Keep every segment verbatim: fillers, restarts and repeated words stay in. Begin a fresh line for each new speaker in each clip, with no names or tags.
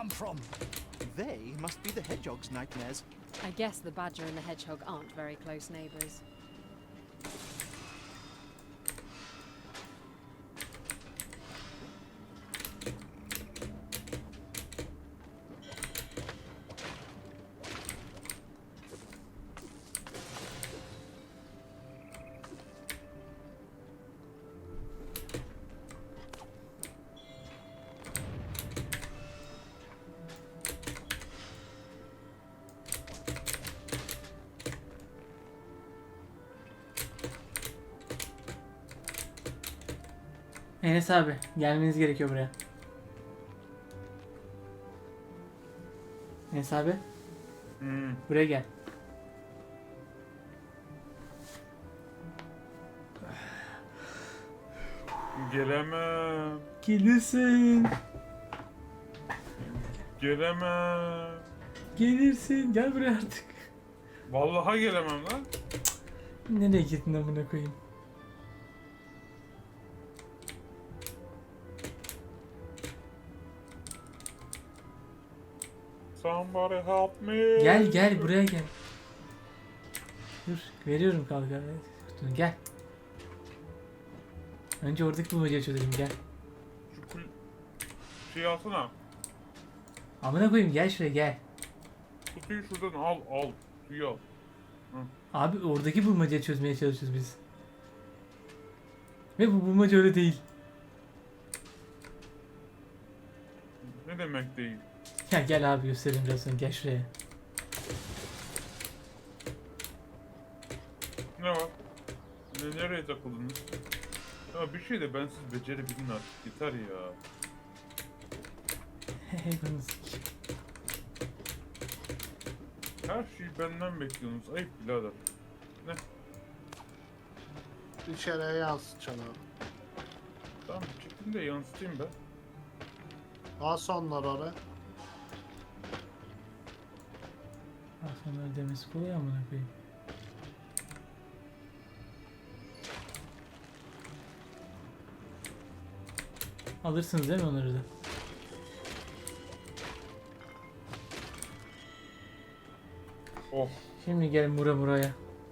come from?
They must be the hedgehog's nightmares.
I guess the badger and the hedgehog aren't very close neighbours.
Enes abi gelmeniz gerekiyor buraya. Enes abi
Hmm.
buraya gel.
Gelemem.
Gelirsin.
Gelemem.
Gelirsin. Gel buraya artık.
Vallahi gelemem lan.
Nereye gittin amına koyayım?
Somebody help me.
Gel gel buraya gel. Dur veriyorum kalkan. Kutunu gel. Önce oradaki bulmacayı çözelim gel.
Şu kul... Şey alsana.
Amına koyayım gel şuraya gel.
Kutuyu şuradan al al. Suyu al.
Abi oradaki bulmacayı çözmeye çalışıyoruz biz. Ve bu bulmaca öyle değil.
Ne demek değil?
Ya gel abi göstereyim biraz sonra gel şuraya.
Ne var? Ne, nereye takıldınız? Ya bir şey de ben siz becerebilin artık. Yeter ya.
Hey bunu sik.
Her şeyi benden bekliyorsunuz. Ayıp birader. Ne?
İçeriye yansıtacaksın abi.
Tamam çektim de yansıtayım ben.
Bas onları oraya.
Aslında demesi kolay amına koyayım. Alırsınız değil mi onları da?
Oh.
Şimdi gelin bura buraya.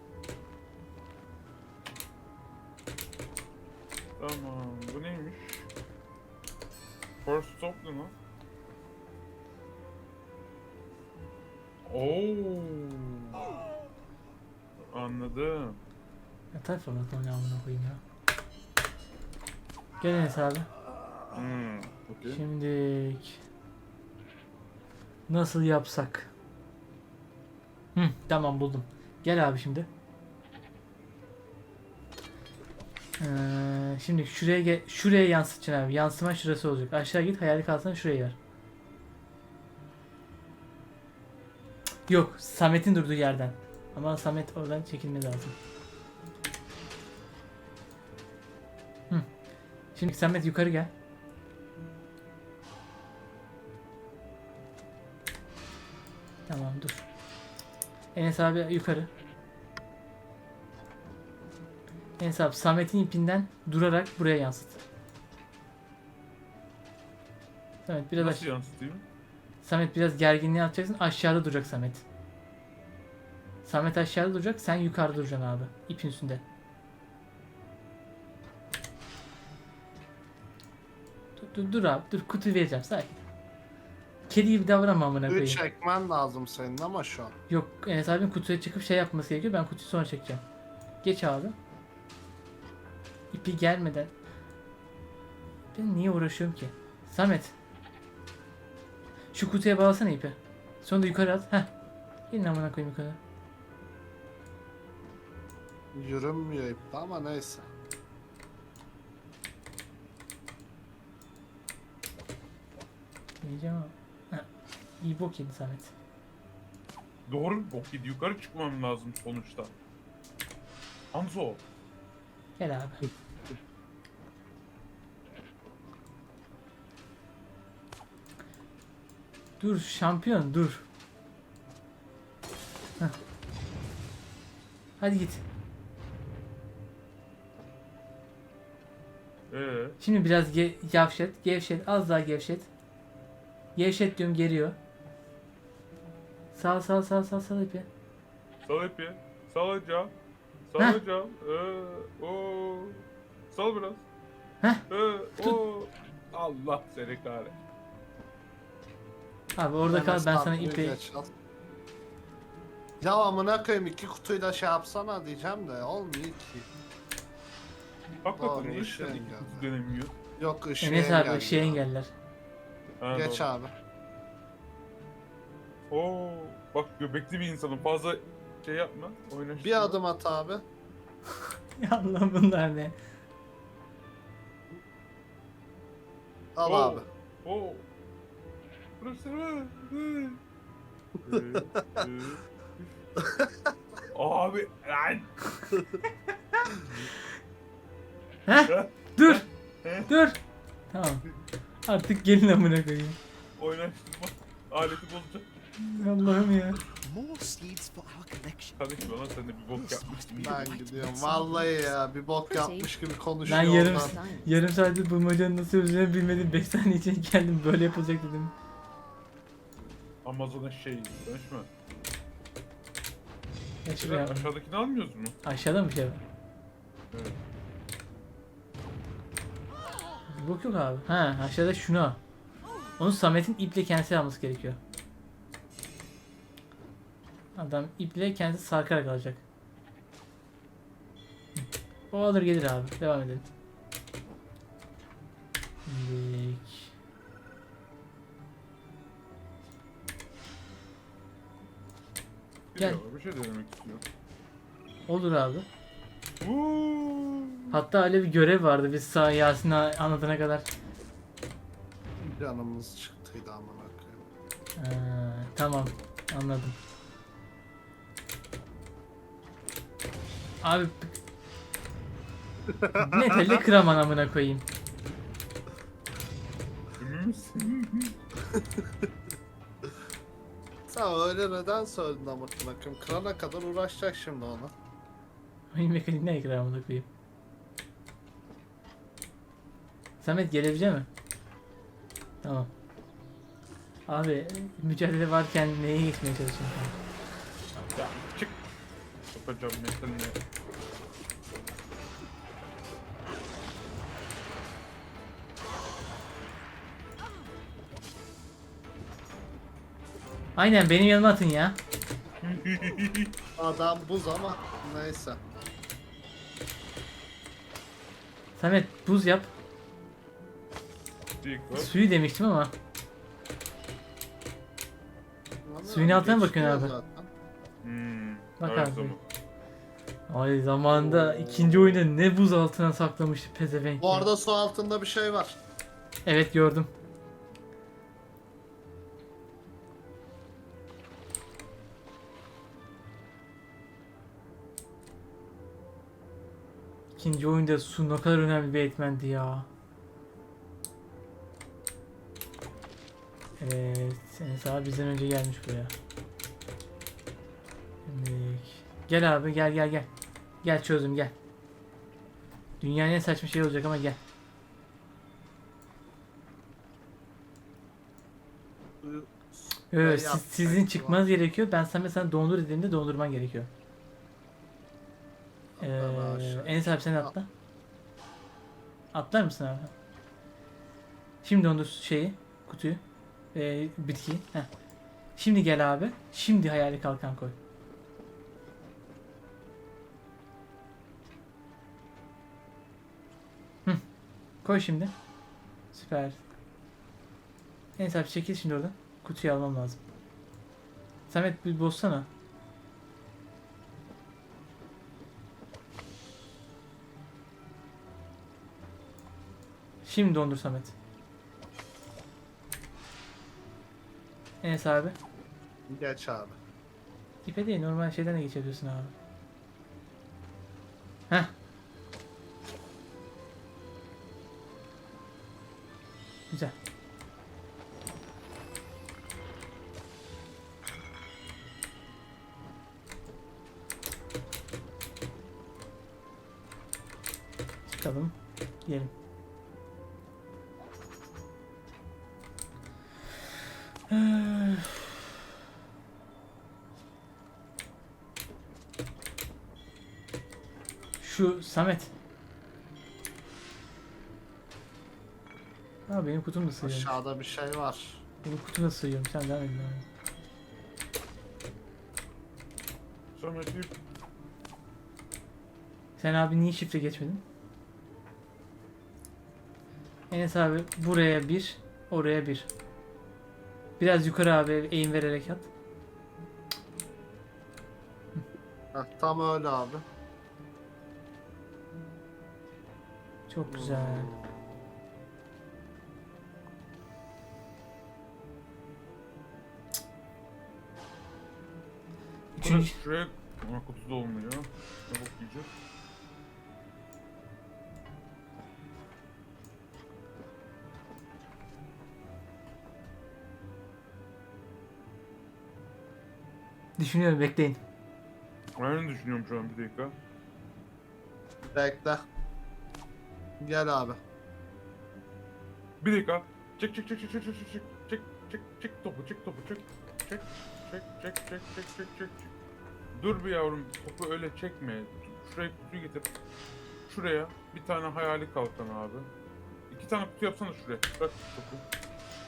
Tamam. Bu neymiş? First stop ne lan? Oo. Anladım.
Yatar falan sonra amına koyayım ya. Gel Enes abi.
Hmm. Okay.
Şimdi nasıl yapsak? Hı, tamam buldum. Gel abi şimdi. Ee, şimdi şuraya gel, şuraya yansıtacaksın abi. Yansıma şurası olacak. Aşağı git hayali kalsana şuraya yer. Yok, Samet'in durduğu yerden. Ama Samet oradan çekilmesi lazım. Hı. Şimdi Samet yukarı gel. Tamam dur. Enes abi yukarı. Enes abi Samet'in ipinden durarak buraya yansıt. Samet biraz
Nasıl
aş-
yansıtayım?
Samet biraz gerginliği atacaksın. Aşağıda duracak Samet. Samet aşağıda duracak. Sen yukarıda duracaksın abi. İpin üstünde. Dur, dur, dur abi. Dur kutu vereceğim. Sakin. Kedi gibi davranma amına
Üç
koyayım.
çekmen lazım senin ama şu an.
Yok Enes abinin kutuya çıkıp şey yapması gerekiyor. Ben kutuyu sonra çekeceğim. Geç abi. İpi gelmeden. Ben niye uğraşıyorum ki? Samet. Şu kutuya bağlasana ipi. Sonra da yukarı at. Heh. Gelin amına koyayım yukarı.
Yürünmüyor ipte ama neyse.
Diyeceğim ama. Heh. İyi bok yedi Samet.
Doğru mu? Bok yedi. Yukarı çıkmam lazım sonuçta. Anzo.
Gel abi. Dur şampiyon dur. Heh. Hadi git.
Ee,
Şimdi biraz ge gevşet, gevşet, az daha gevşet. Gevşet diyorum, geriyor. Sal sal sal sal sal ipi.
Sal ipi. Salacağım.
Heh.
Salacağım. Ee, o. Sal biraz.
Heh.
Ee, o. Allah seni kahretsin.
Abi orada kal, ben sana ipi...
Geç al. Ya amına koyayım, iki kutuyla şey yapsana diyeceğim de olmuyor ki.
Hakikaten
Doğru,
niye
ışığı
şu an iki
engelliyor.
kutu dönemiyor?
Yok ışığı
Enes abi
engelliyor.
ışığı engeller.
Ha,
Geç
doğru.
abi.
Oo, bak göbekli bir insanım. Fazla şey yapma. Oynaştırma.
Bir adım at abi.
Ya Allah, bunlar ne?
Al
Oo,
abi.
Oo. Burası mı? Hı. Ee, e. Abi lan.
Heh, dur, dur. Tamam. Artık gelin amına koyayım.
Oynaştırma. Aleti bozacak.
Allah'ım ya.
More seeds for our collection.
Kardeşim bana sen de bir bok yapmıştın.
Ben gidiyorum. Vallahi ya bir bok yapmış gibi konuşuyor.
Ben yarım
oradan.
Science.
yarım saattir bulmacanın nasıl çözüleceğini bilmedim. beş saniye için geldim, böyle yapılacak dedim.
Amazon'a şey konuşma.
Ya
Ya,
şuraya.
aşağıdakini almıyoruz mu?
Aşağıda mı bir şey var?
Evet.
Bir bok yok abi. Ha, aşağıda şunu al. Onu Samet'in iple kendisi alması gerekiyor. Adam iple kendisi sarkarak alacak. Hı. O alır gelir abi. Devam edelim. Dik. Gel.
Geliyor, bir şey denemek istiyor.
Olur abi.
Uuu.
Hatta öyle bir görev vardı biz sağ Yasin'e anlatana kadar.
Canımız çıktıydı amına koyayım.
Ha, tamam, anladım. Abi metali kıraman amına koyayım.
Emin misin?
Sen öyle neden söyledin amına koyayım? Kırana kadar uğraşacak şimdi ona.
Oyun mekanik ne kırar amına koyayım. Samet gelebilecek mi? Tamam. Abi mücadele varken neye geçmeye çalışıyorsun?
Ya çık. Yapacağım metaline.
Aynen benim yanıma atın ya.
Adam buz ama neyse.
Samet buz yap.
Dik var.
Suyu demiştim ama.
Ama
Suyun altına
geçti
bakıyorsun abi.
zaten.
Hmm.
Bak
her
abi.
zaman.
Ay zamanında ikinci oyunda ne buz altına saklamıştı pezevenk.
Bu
ya.
arada su altında bir şey var.
Evet gördüm. İkinci oyunda su ne kadar önemli bir etmendi ya. Evet, Enes abi bizden önce gelmiş buraya. Şimdi gel abi, gel gel gel. Gel çözdüm, gel. Dünyanın en saçma şey olacak ama gel.
Suyu-
Evet,
Ben
siz-
yaptım.
sizin çıkmanız gerekiyor. Ben sana mesela dondur dediğimde dondurman gerekiyor. Ee,
Atla aşağı.
Enes abi sen atla. Atlar mısın abi? Şimdi dondur şeyi, kutuyu, ee, bitkiyi. Heh. Şimdi gel abi. Şimdi hayali kalkan koy. Hı. Koy şimdi. Süper. Enes abi çekil şimdi oradan. Kutuyu almam lazım. Samet bir bozsana. Şimdi dondur Samet. Enes abi.
Geç abi.
İpe değil, normal şeyden de geçebiliyorsun abi. Heh. Güzel. Çıkalım. Gidelim. Şu Samet. Ha benim kutum da sığıyor.
Aşağıda bir şey var.
Benim kutum da sığıyor. Sen devam edin abi.
Samet'i
Sen abi niye şifre geçmedin? Enes abi buraya bir, oraya bir. Biraz yukarı abi eğim vererek at.
Heh, tam öyle abi.
Çok güzel.
Burası
Üçüncü.
şuraya ama kutuda olmuyor. Ne bok yiyeceğiz?
Düşünüyorum bekleyin.
Aynı düşünüyorum şu an bir dakika.
Bekle. Gel abi.
Bir dakika. Çek çek çek çek çek çek çek çek çek çek çek topu çek topu çek çek çek çek çek çek çek çek çek. Dur bir yavrum, topu öyle çekme. Şuraya kutuyu getir. Şuraya bir tane hayali kalkan abi. İki tane kutu yapsana şuraya. Bırak topu.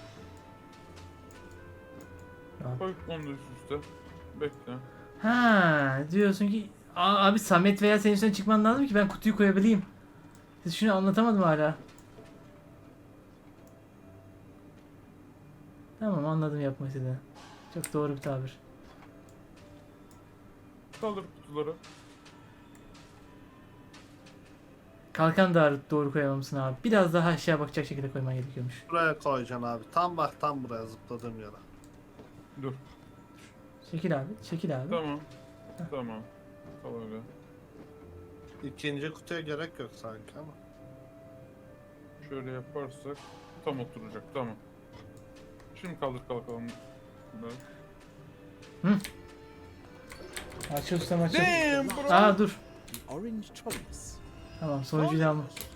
Abi.
Koy onu da üst üste. Bekle.
Ha diyorsun ki "Aa, abi Samet veya senin üstüne çıkman lazım ki ben kutuyu koyabileyim. Siz şunu anlatamadım hala. Tamam anladım yapmak istediğini. Çok doğru bir tabir.
Kaldır kutuları.
Kalkan da doğru koyamamışsın abi. Biraz daha aşağı bakacak şekilde koyman gerekiyormuş.
Buraya koyacaksın abi. Tam bak tam buraya zıpladığım yere.
Dur.
Çekil abi, çekil abi.
Tamam. Tamam. Kal öyle.
İkinci kutuya gerek yok sanki ama.
Şöyle yaparsak tam oturacak. Tamam. Şimdi kaldır kalkalım. Bunları.
Aç ustam aç.
Damn bro.
Aa dur.
The orange choice.
Tamam sonucuyu da alma.